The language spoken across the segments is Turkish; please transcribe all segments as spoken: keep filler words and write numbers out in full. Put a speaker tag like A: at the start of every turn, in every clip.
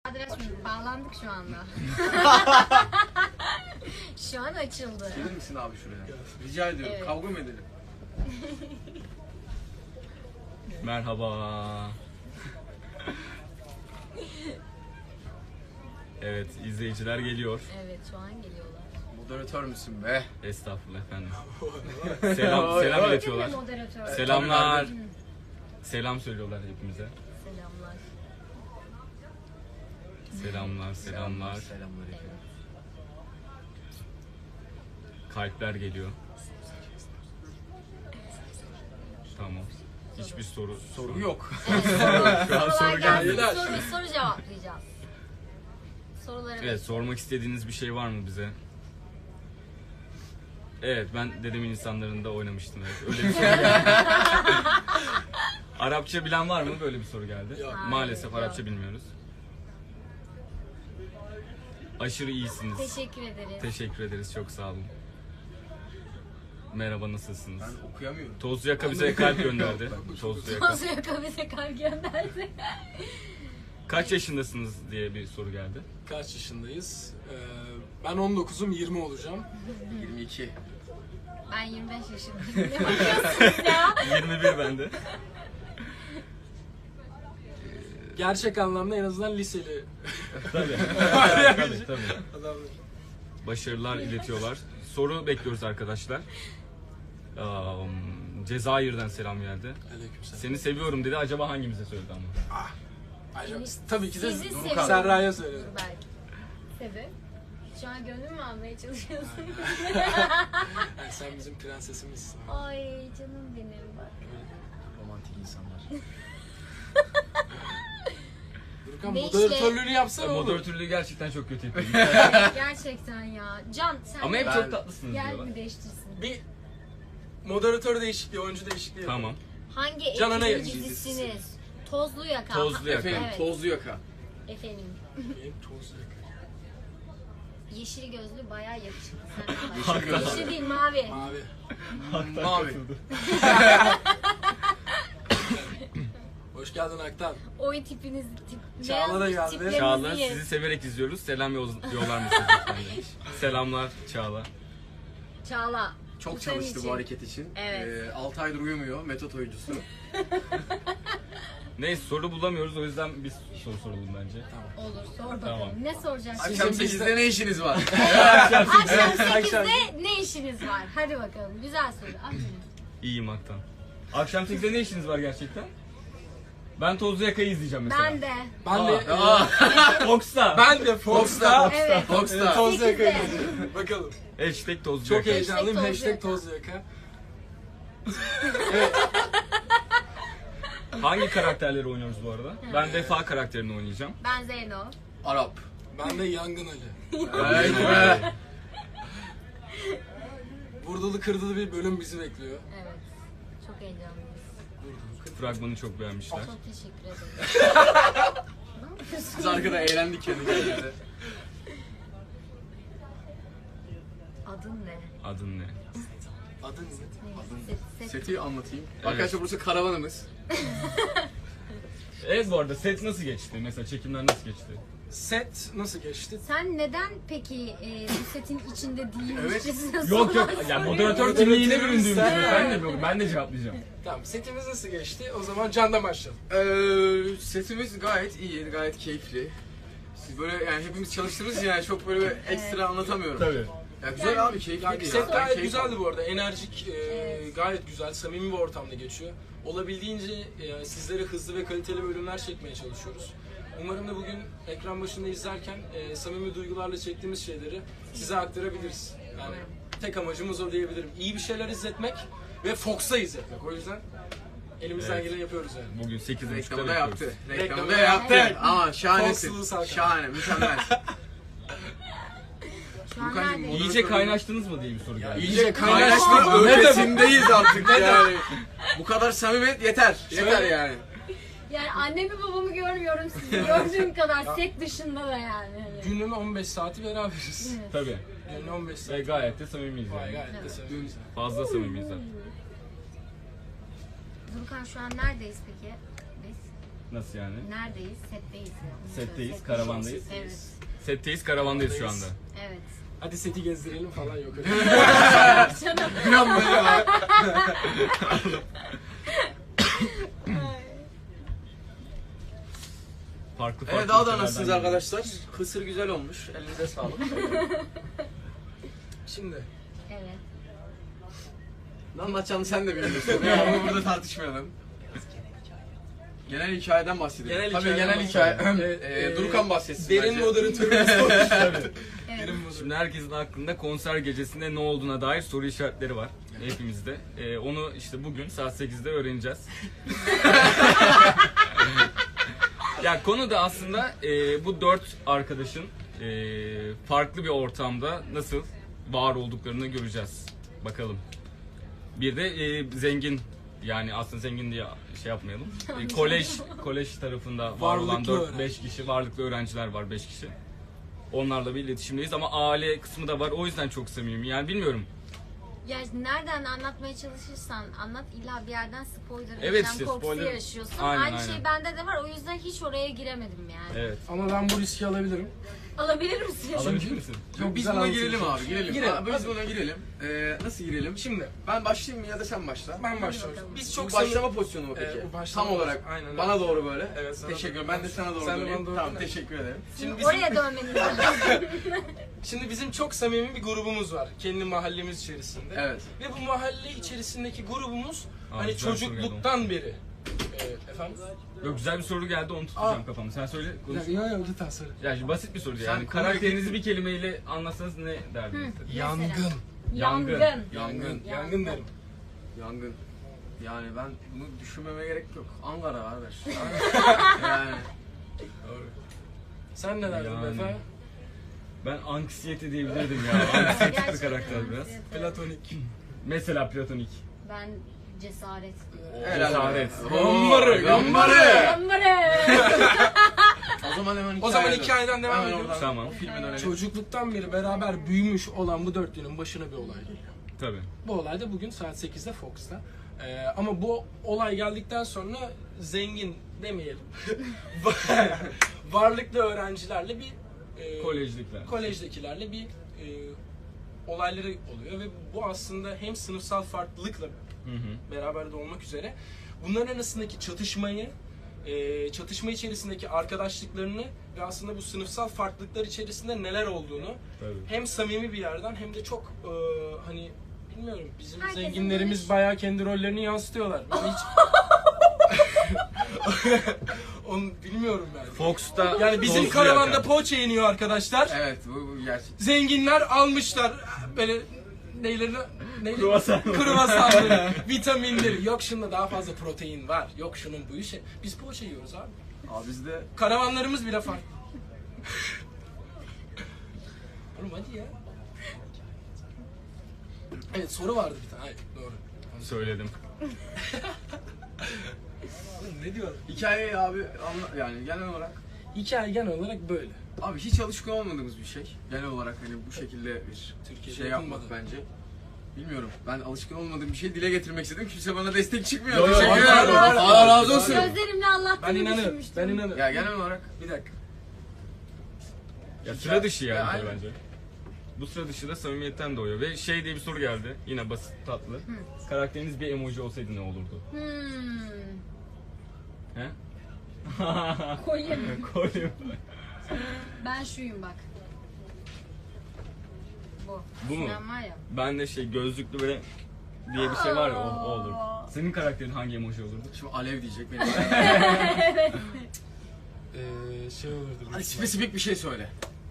A: Bağlandık şu anda. Şu an açıldı.
B: Gelir misin abi şuraya? Rica ediyorum.
A: Evet.
B: Kavga mı edelim?
C: Merhaba. Evet, izleyiciler geliyor.
A: Evet, şu an geliyorlar.
B: Moderatör müsün be?
C: Estağfurullah efendim. Selam, selam iletiyorlar.
A: Moderatör.
C: Selamlar. Selam söylüyorlar hepimize.
A: Selamlar.
C: Selamlar, selamlar.
B: Selamlar efendim.
C: Kalpler geliyor. Tamam. Hiçbir soru
B: Soru yok.
A: Evet, soru,
C: Şu an soru
A: sorular geldi.
C: geldi.
A: Soru, soru cevaplayacağız. Soruları
C: Evet, sormak istediğiniz bir şey var mı bize? Evet, ben dedemin insanlarında oynamıştım. Evet. Öyle bir soru geldi. Arapça bilen var mı? Böyle bir soru geldi.
D: Yok.
C: Maalesef
A: Hayır,
C: Arapça
A: yok.
C: bilmiyoruz. Aşırı iyisiniz.
A: Teşekkür ederiz.
C: Teşekkür ederiz, çok sağ olun. Merhaba, nasılsınız?
B: Ben okuyamıyorum.
C: Tozlu Yaka bize kalp gönderdi. Tozlu Yaka.
A: Tozu yaka bize kalp gönderdi.
C: Kaç yaşındasınız diye bir soru geldi.
D: Kaç yaşındayız? Ee, ben on dokuzum, yirmi olacağım.
B: yirmi iki.
A: Ben yirmi beş yaşındayım. Ne bakıyorsunuz ya?
C: yirmi bir bende.
D: Gerçek anlamda en azından liseli
C: Tabii. tabii, tabii.
D: adamlar.
C: Başarılar iletiyorlar. Soru bekliyoruz arkadaşlar. Um, Cezayir'den selam geldi.
D: Aleykümselam.
C: Seni seviyorum dedi. Acaba hangimize söyledi ama?
D: Acaba, tabii ki de
A: Sizi
D: Doruk
A: seviyorum.
D: Serra'ya söyledim.
A: Belki. Sebep? Şu an gönlüm mü almaya çalışıyorsun?
D: Yani sen bizim prensesimizsin.
A: Ay canım benim bak.
B: Romantik insanlar.
D: Durkan
A: Ne
D: moderatörlüğünü yapsana oğlum.
C: Moderatörlüğü gerçekten çok kötü yapıyor.
A: Gerçekten ya. Can sen
C: Ama hep
A: de-
C: çok tatlısınız
A: Gel
C: diyorlar.
A: mi değiştirsin?
D: Bir moderatör değişikliği, oyuncu değişikliği yapalım.
C: Tamam.
A: Hangi
D: Can'a ne
A: ekibin dizisiniz? Tozlu Yaka.
C: Tozlu Yaka.
B: Efendim
A: Evet.
B: tozlu yaka.
A: Efendim.
D: Benim tozlu yaka.
A: Yeşil gözlü bayağı yakışıklı. Sen de
B: Yeşil
A: bak.
B: gözlü.
A: Yeşil değil mavi.
D: Mavi.
B: Mavi.
D: Hoş geldin Aktan.
A: Oy tipiniz tip.
D: Çağla da
A: beyaz
D: geldi.
A: tiplerinizi
C: Çağla,
A: ye.
C: sizi severek izliyoruz. Selam yoz- yollar mısınız lütfen demiş. Selamlar Çağla.
A: Çağla.
B: Çok
A: bu senin
B: çalıştı
A: için.
B: bu hareket için.
A: Evet.
B: Ee, altı aydır uyumuyor. Metot oyuncusu.
C: Neyse, soru bulamıyoruz, o yüzden biz soru soralım bence.
A: Olur sor bakalım.
C: Tamam.
A: Ne soracaksın?
B: Akşam
D: Sizin
B: sekizde ne işiniz var?
A: Akşam
D: akşam.
A: sekizde ne işiniz var? Hadi bakalım. Güzel soru. Aferin.
C: İyiyim Aktan. Akşam sekizde ne işiniz var gerçekten? Ben Tozlu Yaka'yı izleyeceğim mesela.
A: Ben de.
D: Ben de
B: Aa,
C: Fox'ta.
D: ben de Fox'ta
A: Evet.
B: Fox'ta.
D: tozlu
A: Sekizde.
D: yakayı izliyorum. Bakalım.
C: Hashtag Tozlu
D: Çok
C: Yaka.
D: heyecanlıyım.
A: Hashtag
D: Hashtag tozlu yaka.
C: Hangi karakterleri oynuyoruz bu arada? Ben Vefa karakterini oynayacağım.
A: Ben Zeyno.
B: Arap.
D: Ben de Yangın Ali.
B: Evet be.
D: Vurdulu kırdılı bir bölüm bizi bekliyor.
A: Evet. Çok heyecanlıyız.
C: Fragmanı çok beğenmişler.
A: Çok teşekkür ederim. Ne yapıyorsun?
B: Biz arkada eğlendik kendi kendimize.
A: Adın ne?
C: Adın ne?
D: Adın ne?
A: Set, set.
B: Seti anlatayım.
C: Evet.
B: Arkadaşlar burası karavanımız.
C: Evet, bu arada set nasıl geçti? Mesela çekimler nasıl geçti?
D: Set nasıl geçti?
A: Sen neden peki e, bu setin içinde değilmişçesine
B: Evet.
C: Yok yok,
A: sorular
C: yani
A: soruyorsun?
C: moderatör kimliğine büründüğüm için.
D: Sen-
C: Ben de, yok, ben de cevaplayacağım.
D: Tamam, setimiz nasıl geçti? O zaman Can'dan başlayalım.
B: Ee, setimiz gayet iyi, gayet keyifli. Siz böyle yani hepimiz çalıştığımız için yani çok böyle bir ekstra anlatamıyorum.
C: Tabii.
B: Ya güzel abi, keyifliydi
D: Yani
B: ya.
D: set
B: Ben
D: gayet
B: keyif
D: güzeldi
B: aldım.
D: bu arada. Enerjik, e,
A: Evet.
D: gayet güzel, samimi bir ortamda geçiyor. Olabildiğince e, sizlere hızlı ve kaliteli bölümler çekmeye çalışıyoruz. Umarım da bugün ekran başında izlerken e, samimi duygularla çektiğimiz şeyleri size aktarabiliriz. Yani tek amacımız o diyebilirim. İyi bir şeyler izletmek ve Fox'a izletmek. O yüzden elimizden
C: Evet.
D: geleni yapıyoruz yani.
C: Bugün sekiz buçukta
B: Reklamı da yaptı.
C: bekliyoruz.
B: Reklamı
D: Reklamı
B: da
D: da
B: yaptı.
D: yaptı.
B: Ama şahanesin.
D: Fox'lu Hakan.
B: Şahane, mükemmel.
A: Şu an
B: Furkancığım,
A: neredeyiz?
C: İyice kaynaştınız mı diye bir soru geldi.
B: İyice kaynaşma ötesindeyiz artık yani. Bu kadar samimiyet yeter. Yeter yani.
A: Yani annemi babamı görmüyorum sizi gördüğüm kadar set dışında da yani. Hani.
D: Günün on beş saati beraberiz.
C: Tabii.
D: Günün on beş
C: Ve
D: saati.
C: gayet de samimiyiz
D: Vay,
C: yani.
D: gayet de sevimiz.
C: Fazla samimiyiz zaten.
A: Durkan şu an neredeyiz peki? Biz
C: Nasıl yani?
A: Neredeyiz? Setteyiz. Onu
C: Setteyiz,
A: söyle.
C: karavandayız.
A: Evet.
C: Setteyiz, karavandayız şu anda.
A: Evet.
D: Hadi seti gezdirelim falan yok öyle.
B: Bir an böyle var.
C: Farklı farklı.
B: Evet, daha da
C: ülkelerden
B: nasılsınız
C: geliyor.
B: arkadaşlar? Kısır güzel olmuş. Elinize sağlık.
D: Şimdi
A: Evet.
B: Ne anlatacağını sen de biliyorsun. Yani onu burada tartışmayalım. Genel hikayeden bahsedelim.
D: genel
B: Tabii
D: hikayeden
B: genel hikaye.
D: bahsedelim.
B: Ee,
D: Evet, e,
B: Durukan bahsetsin
D: Derin
B: bence.
D: moderatörümüz olmuş.
A: Evet.
D: Derin moderatör.
C: Şimdi herkesin aklında konser gecesinde ne olduğuna dair soru işaretleri var hepimizde. Ee, onu işte bugün saat sekizde öğreneceğiz. Ya konu da aslında e, bu dört arkadaşın e, farklı bir ortamda nasıl var olduklarını göreceğiz. Bakalım. Bir de e, zengin, yani aslında zengin diye şey yapmayalım. E, kolej kolej tarafında var olan
D: Varlıklı
C: dört
D: öğrenci.
C: beş kişi, varlıklı öğrenciler var beş kişi. Onlarla bir iletişimdeyiz ama aile kısmı da var. O yüzden çok samimiyim. Yani bilmiyorum.
A: Ya nereden anlatmaya çalışırsan anlat, illa bir yerden spoiler
C: Evet,
A: vereceğim
C: işte
A: korkusu
C: spoiler-
A: yaşıyorsun.
C: Aynen,
A: Aynı
C: aynen.
A: şey bende de var, o yüzden hiç oraya giremedim yani.
C: Evet.
D: Ama ben bu riski alabilirim.
A: Alabilir misin?
C: Alabilir misin?
B: Yok, biz
D: güzel
B: buna
D: anlatılmış.
B: girelim abi, girelim.
D: Girelim.
B: Abi, biz buna girelim. Ee, nasıl girelim?
D: Şimdi
B: Ben başlayayım mı ya da sen başla?
D: ben başlıyorum.
A: bakalım.
D: Biz
B: Çok
D: çok
B: başlama
D: samimi-
B: pozisyonu mu peki?
D: Ee, bu başlama
B: Tam olarak.
D: pozisyonu, aynen öyle.
B: Bana doğru böyle.
D: Evet, sana
B: teşekkür ederim.
D: doğru.
B: Ben de sana doğru
D: Sen de
B: döneyim.
D: bana doğru
B: Tamam,
D: dön.
B: teşekkür ederim.
D: Şimdi bizim,
A: Oraya dönmeniz lazım.
D: şimdi bizim çok samimi bir grubumuz var kendi mahallemiz içerisinde.
B: Evet.
D: Ve bu mahalle içerisindeki grubumuz
C: Aa,
D: hani
C: güzel bir soru
D: çocukluktan beri. Ee, efendim?
C: Yok, güzel bir soru geldi, onu tutacağım
D: Aa.
C: kafamı. Sen söyle, konuş.
D: Yok yok lütfen söyle.
C: Ya şimdi basit bir soru
B: Sen
C: yani.
B: konuyu-
C: Karakterinizi bir kelimeyle anlatsanız ne derdiniz?
D: Yangın.
C: Yangın.
A: Yangın.
B: Yangın.
D: Yangın derim.
B: Yangın. Yani ben bunu düşünmeme gerek yok. Ankara kardeş. yani.
D: Doğru. Sen ne derdin
C: Yani.
D: Befe?
C: Ben anksiyete diyebilirdim ya. Anksiyetik bir
A: Gerçekten.
C: karakter biraz.
D: Platonik.
C: Mesela platonik.
A: Ben cesaret.
B: Helal
C: Cesaret.
B: be.
D: Gambarı,
B: Oo, Gambarı.
A: Gambarı.
B: O zaman hemen
D: O zaman
B: hikayeden-
D: hikayeden devam
B: hemen
D: ediyoruz.
B: oradan
C: Tamam.
B: o filme dönelim.
D: Çocukluktan beri beraber büyümüş olan bu dörtlünün başına bir olay geliyor.
C: Tabii.
D: Bu olay da bugün saat sekizde Fox'ta. Ee, ama bu olay geldikten sonra zengin demeyelim. Varlıklı öğrencilerle bir e,
C: Kolejlikler.
D: kolejdekilerle bir e, olayları oluyor ve bu aslında hem sınıfsal farklılıkla
C: Hı hı.
D: beraber de olmak üzere bunların arasındaki çatışmayı, e, çatışma içerisindeki arkadaşlıklarını ve aslında bu sınıfsal farklılıklar içerisinde neler olduğunu
C: Tabii.
D: hem samimi bir yerden hem de çok e, hani bilmiyorum bizim
A: Herkesin
D: zenginlerimiz
A: görüş-
D: bayağı kendi rollerini yansıtıyorlar. Ben hiç onu bilmiyorum ben.
C: Fox'ta
D: Yani bizim
C: tozlu
D: karavanda
C: yakan.
D: poğaça yeniyor arkadaşlar.
B: Evet, bu, bu gerçek.
D: Zenginler almışlar böyle neyleri neyleri
C: Kruvasan.
D: kruvasanları, vitaminleri. Yok şunda daha fazla protein var. Yok şunun bu işi. Biz poğaça yiyoruz abi.
B: Abi bizde
D: Karavanlarımız bile farklı. Oğlum hadi ya. Evet soru vardı bir tane. Hayır doğru.
C: Söyledim.
D: Oğlum ne diyor?
B: hikayeyi abi anla, yani genel olarak
D: Hikaye genel olarak böyle.
B: abi hiç alışkın olmadığımız bir şey. Genel olarak hani bu şekilde bir
D: Türkiye'de
B: şey yapmak
D: yapılmadı.
B: bence. Bilmiyorum. Ben alışkın olmadığım bir şey dile getirmek istedim. Kimse bana destek çıkmıyor.
C: Yo, yo,
B: Teşekkür
C: var,
B: ederim.
C: var, var.
B: Allah razı olsun.
A: Gözlerimle
D: Ben
A: anlattığımı
D: inanırım.
A: düşünmüştüm.
D: Ben inanırım.
B: Ya genel olarak
D: Bir dakika.
C: Ya sıra dışı yani
B: Ya,
C: tabii
B: aynen.
C: bence. Bu sıra dışı da samimiyetten doğuyor. Ve şey diye bir soru geldi. Yine basit, tatlı. Karakteriniz bir emoji olsaydı ne olurdu?
A: Hmm.
C: He?
A: Kolye.
C: Koyayım.
A: Ben şuyum bak. Bu.
C: Bu mu?
A: Sinan var ya.
C: Ben de şey gözlüklü böyle diye bir şey var ya, o, o olur. Senin karakterin hangi emoji olurdu?
B: şimdi alev diyecek benim.
D: Ee, şey olurdu.
B: Hadi spesifik bir şey söyle.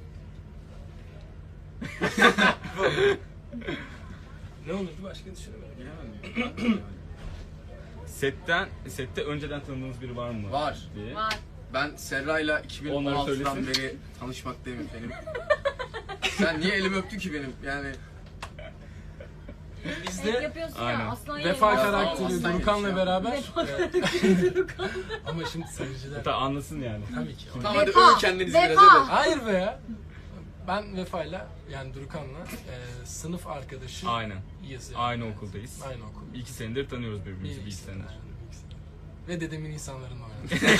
D: Ne olurdu başka düşünemedim.
B: Bilemedim.
C: Setten, sette önceden tanıdığınız biri var mı?
B: Var.
C: Diye.
A: Var.
B: Ben Serra'yla iki bin on altıdan
C: Onları söylesin.
B: beri tanışmaktayım efendim. Sen niye elimi öptün ki benim? Yani
D: Biz
A: Evet,
D: de
A: yapıyorsun
C: Aynen.
A: ya aslan
D: Vefa
A: yerim.
D: karakteri
B: Aslan
D: Durukan'la
B: yemiş ya.
D: beraber.
A: Vefa
D: Evet. Ama şimdi seyirciler
C: Hatta anlasın yani.
D: tabii ki.
B: tamam hadi
A: Vefa,
B: övün kendinizi biraz
A: vefa.
B: hadi.
D: Hayır be ya. Ben Vefa'yla yani Durukan'la e, sınıf arkadaşı
C: Aynen.
D: yani.
C: Aynı okuldayız.
D: Aynı okul.
C: İki senedir tanıyoruz birbirimizi. Bir iki
D: Bir
C: senedir.
D: ve dedemin insanlarında oynadım.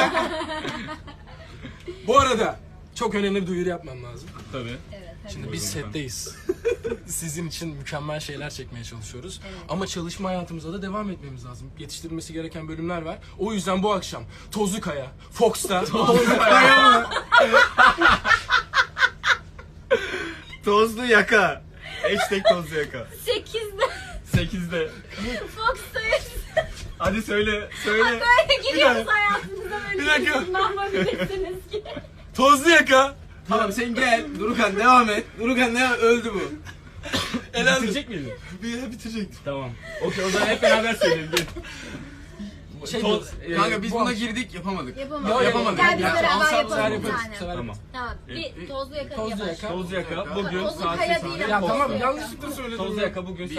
D: Bu arada çok önemli bir duyuru yapmam lazım.
C: Tabii.
A: Evet, hadi.
D: Şimdi biz
C: Buyurun efendim.
D: setteyiz. Sizin için mükemmel şeyler çekmeye çalışıyoruz.
A: Evet.
D: Ama çalışma hayatımıza da devam etmemiz lazım. Yetiştirilmesi gereken bölümler var. O yüzden bu akşam Tozlu Kaya, Fox'ta
C: Tozlu yaka. Hashtag tozlu yaka.
A: sekizde
C: sekizde.
A: Fox'tayız.
C: Hadi söyle, söyle.
A: Böyle giriyoruz hayatınıza böyle.
D: Bir dakika.
A: İnanmabilirsiniz ki.
D: Tozlu Yaka.
B: Tamam sen gel. Durukan devam et. Durukan devam öldü bu.
D: Elendi.
C: Bitirecek miydin?
B: Bir bitirecektim.
C: Tamam. Okey, o zaman hep beraber söyleyelim. Gel.
D: Şey
C: Toz,
D: diyoruz.
C: e,
B: Kanka biz
D: bu
B: buna
D: akşam-
B: girdik yapamadık.
A: Yapamadık.
D: Yo,
B: yapamadık.
A: Gel biz
B: Ya,
A: beraber
D: alsam
A: yapalım
D: güzel
A: bir
D: yaparız.
A: tane.
D: Severim.
C: Tamam.
A: Tamam.
C: E,
A: Bir tozlu yaka
D: Tozlu
A: yapalım.
D: Yaka.
C: Tozlu yaka.
B: Yaka.
C: Bugün
A: Tozlu
C: saat
A: kaya
C: sekiz.
A: değil
D: Ya
A: ama
D: tamam
A: Tozlu
D: yanlışlıkla söyledim.
C: Tozlu yaka bugün